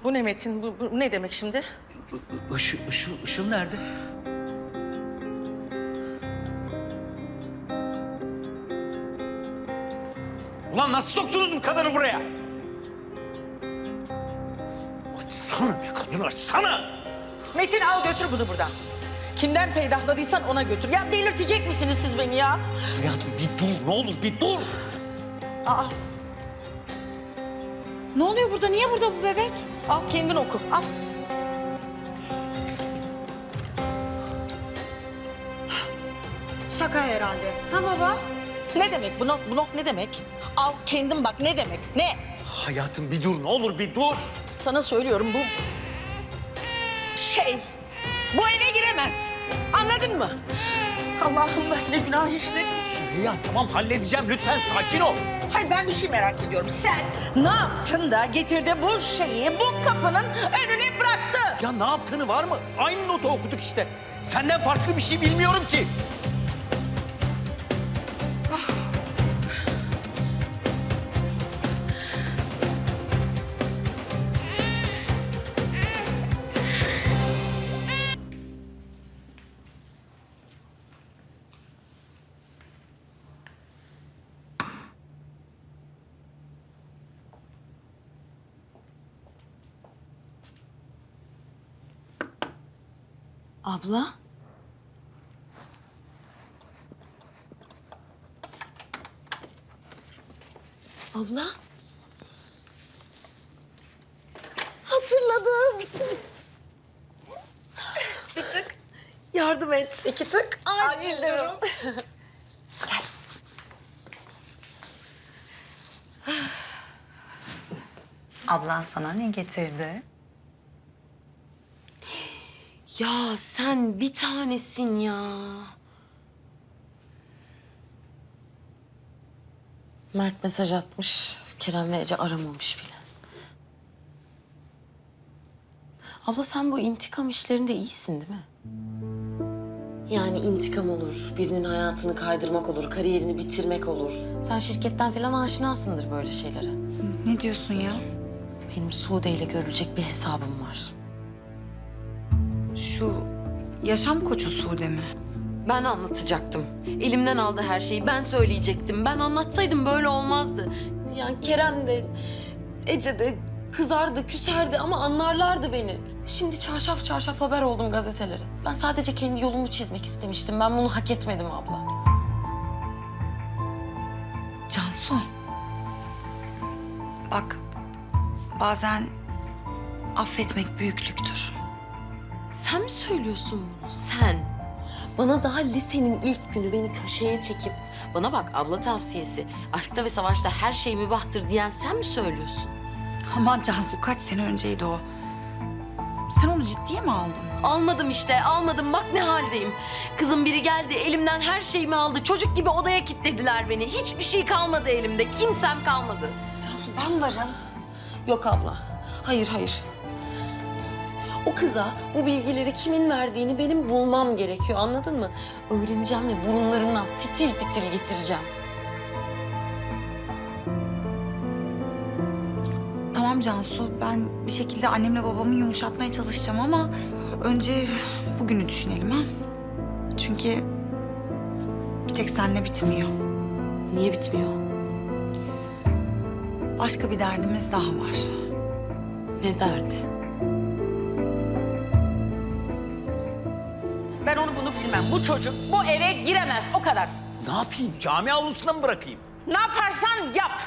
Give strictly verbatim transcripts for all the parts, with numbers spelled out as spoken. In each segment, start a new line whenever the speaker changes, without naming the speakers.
Bu ne Metin? Bu, bu ne demek şimdi?
I- Işıl, Işıl, Işıl nerede? Ulan nasıl soktunuz bu kadını buraya? Açsana bir kadın, açsana!
Metin al götür bunu buradan. Kimden peydahladıysan ona götür. Ya delirtecek misiniz siz beni ya?
Hayatım bir dur, ne olur bir dur!
Aa,
Ne oluyor burada? Niye burada bu bebek?
al kendin oku. Al.
Şaka herhalde. Ha baba?
Ne demek bu not, bu not ne demek? Al kendin bak ne demek? Ne?
Hayatım bir dur, ne olur bir dur!
Sana söylüyorum bu şey bu eve giremez. Anladın mı? Allah'ım ben ne günah işledim.
Süreyya tamam halledeceğim, lütfen sakin ol.
Hayır ben bir şey merak ediyorum. Sen ne yaptın da getirdi bu şeyi bu kapının önüne bıraktı?
Ya ne yaptığını var mı? Aynı notu okuduk işte. Senden farklı bir şey bilmiyorum ki.
Abla? Abla? Hatırladım.
Bir tık yardım et. İki tık acil durum. Ablan sana ne getirdi?
Ya sen bir tanesin ya. Mert mesaj atmış. Kerem ve Ece aramamış bile. Abla sen bu intikam işlerinde iyisin değil mi? Yani intikam olur, birinin hayatını kaydırmak olur, kariyerini bitirmek olur. Sen şirketten falan aşinasındır böyle şeylere.
Ne diyorsun ya?
Benim Sude ile görülecek bir hesabım var.
Şu yaşam koçu Sude mi?
Ben anlatacaktım. Elimden aldı her şeyi. Ben söyleyecektim. Ben anlatsaydım böyle olmazdı. Yani Kerem de, Ece de kızardı, küserdi ama anlarlardı beni. Şimdi çarşaf çarşaf haber oldum gazetelere. Ben sadece kendi yolumu çizmek istemiştim. Ben bunu hak etmedim abla.
Cansu. Bak, bazen affetmek büyüklüktür.
Sen mi söylüyorsun bunu? Sen. Bana daha lisenin ilk günü beni köşeye çekip... Bana bak abla tavsiyesi. Aşkta ve savaşta her şey mübahtır diyen sen mi söylüyorsun?
Aman Cansu kaç sene önceydi o. Sen onu ciddiye mi aldın?
Almadım işte, almadım. Bak ne haldeyim. Kızım biri geldi, elimden her şeyimi aldı. Çocuk gibi odaya kilitlediler beni. Hiçbir şey kalmadı elimde. Kimsem kalmadı.
Cansu ben varım.
Yok abla. Hayır, hayır. O kıza bu bilgileri kimin verdiğini benim bulmam gerekiyor. Anladın mı? Öğreneceğim ve burunlarından fitil fitil getireceğim.
Tamam Cansu, ben bir şekilde annemle babamı yumuşatmaya çalışacağım ama önce bugünü düşünelim ha. Çünkü bir tek seninle bitmiyor.
Niye bitmiyor?
Başka bir derdimiz daha var.
Ne derdi?
Ben onu bunu bilmem. Bu çocuk bu eve giremez o kadar.
Ne yapayım? Cami avlusunda mı bırakayım?
Ne yaparsan yap.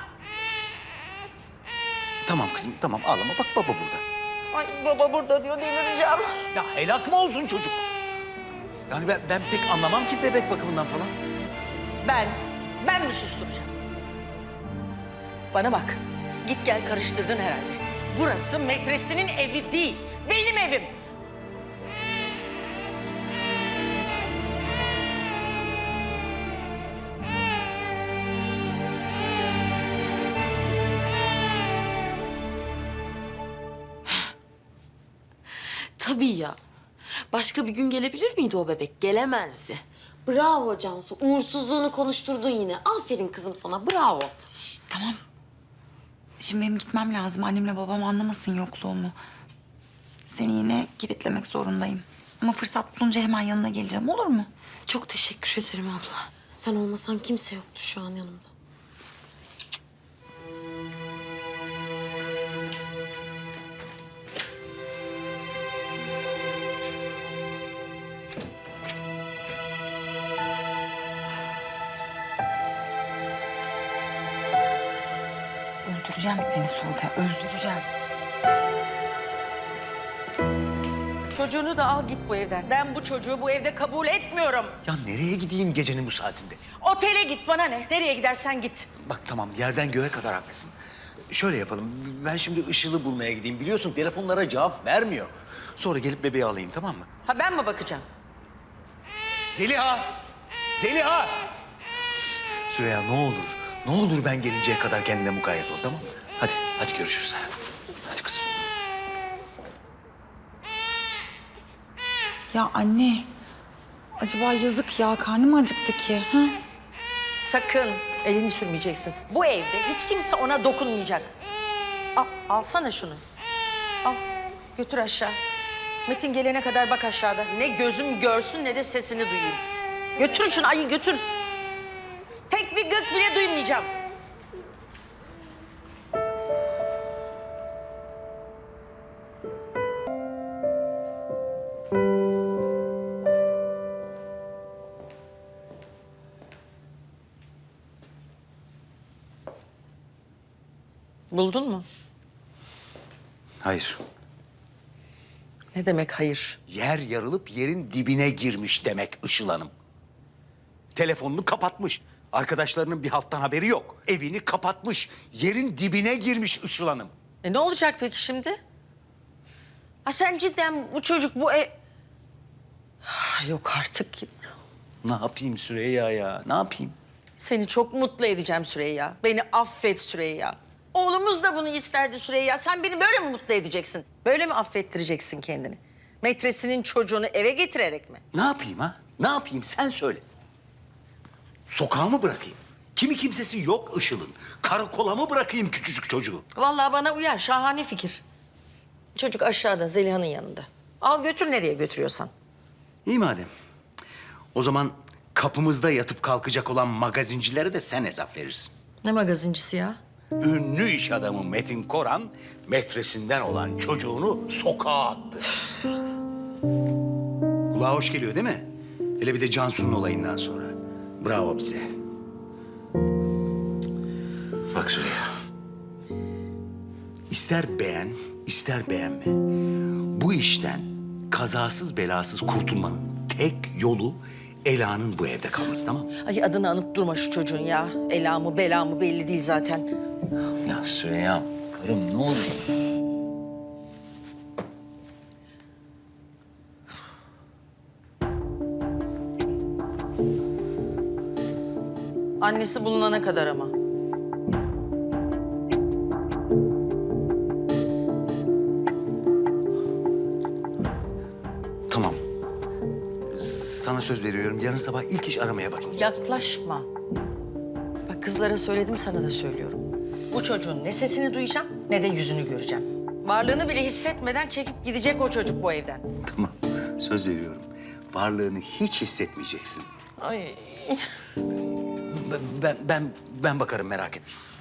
Tamam kızım, tamam ağlama. Bak baba burada.
Ay baba burada diyor delireceğim.
Ya helak mı olsun çocuk? Yani ben, ben pek anlamam ki bebek bakımından falan.
Ben, ben mi susturacağım? Bana bak, git gel karıştırdın herhalde. Burası metresinin evi değil, benim evim.
Tabii ya. Başka bir gün gelebilir miydi o bebek? Gelemezdi. Bravo Cansu. Uğursuzluğunu konuşturdun yine. Aferin kızım sana. Bravo.
Şişt, tamam. Şimdi benim gitmem lazım. Annemle babam anlamasın yokluğumu. Seni yine kilitlemek zorundayım. Ama fırsat bulunca hemen yanına geleceğim, olur mu?
Çok teşekkür ederim abla. Sen olmasan kimse yoktu şu an yanımda.
Öldüreceğim seni Sude, öldüreceğim.
Çocuğunu da al git bu evden. Ben bu çocuğu bu evde kabul etmiyorum.
Ya nereye gideyim gecenin bu saatinde?
Otele git, bana ne? Nereye gidersen git.
Bak tamam, yerden göğe kadar haklısın. Şöyle yapalım, ben şimdi Işıl'ı bulmaya gideyim. Biliyorsun telefonlara cevap vermiyor. Sonra gelip bebeği alayım, tamam mı?
Ha ben mi bakacağım?
Zeliha! Zeliha! Süreyya ne olur, ne olur ben gelinceye kadar kendine mukayyet ol, tamam mı? Hadi, hadi görüşürüz hayatım. Hadi kızım.
Ya anne, acaba yazık ya, karnım acıktı ki. Ha?
Sakın elini sürmeyeceksin. Bu evde hiç kimse ona dokunmayacak. Al, alsana şunu. Al, götür aşağı. Metin gelene kadar bak aşağıda. Ne gözüm görsün ne de sesini duyayım. Götür şunu, ayı götür. Tek bir gık bile duymayacağım. Buldun mu?
Hayır.
Ne demek hayır?
Yer yarılıp yerin dibine girmiş demek Işıl Hanım. Telefonunu kapatmış. Arkadaşlarının bir halttan haberi yok. Evini kapatmış. Yerin dibine girmiş Işıl Hanım.
E ne olacak peki şimdi? Ha sen cidden bu çocuk bu ev... Ah, yok artık.
Ne yapayım Süreyya ya? Ne yapayım?
Seni çok mutlu edeceğim Süreyya. Beni affet Süreyya. Oğlumuz da bunu isterdi Süreyya. Sen beni böyle mi mutlu edeceksin? Böyle mi affettireceksin kendini? Metresinin çocuğunu eve getirerek mi?
Ne yapayım ha? Ne yapayım sen söyle. Sokağa mı bırakayım? Kimi kimsesi yok Işıl'ın. Karakola mı bırakayım küçücük çocuğu?
Vallahi bana uyar. Şahane fikir. Çocuk aşağıda Zeliha'nın yanında. Al götür nereye götürüyorsan.
İyi madem. O zaman kapımızda yatıp kalkacak olan magazincilere de sen hesap verirsin.
Ne magazincisi ya?
Ünlü iş adamı Metin Koran metresinden olan çocuğunu sokağa attı. Kulağa hoş geliyor değil mi? Hele bir de Cansu'nun olayından sonra. Bravo bize. Bak Süreyya. İster beğen, ister beğenme. Bu işten kazasız belasız kurtulmanın tek yolu Ela'nın bu evde kalması, tamam mı?
Ay adını anıp durma şu çocuğun ya. Ela mı bela mı belli değil zaten.
Ya Süreyya, karım ne olur?
Annesi bulunana kadar ama.
Tamam. Sana söz veriyorum. Yarın sabah ilk iş aramaya bakayım.
Yaklaşma. Bak kızlara söyledim, sana da söylüyorum. Bu çocuğun ne sesini duyacağım ne de yüzünü göreceğim. Varlığını bile hissetmeden çekip gidecek o çocuk bu evden.
Tamam. Söz veriyorum. Varlığını hiç hissetmeyeceksin.
Ay.
Ben ben ben, ben bakarım, merak etme.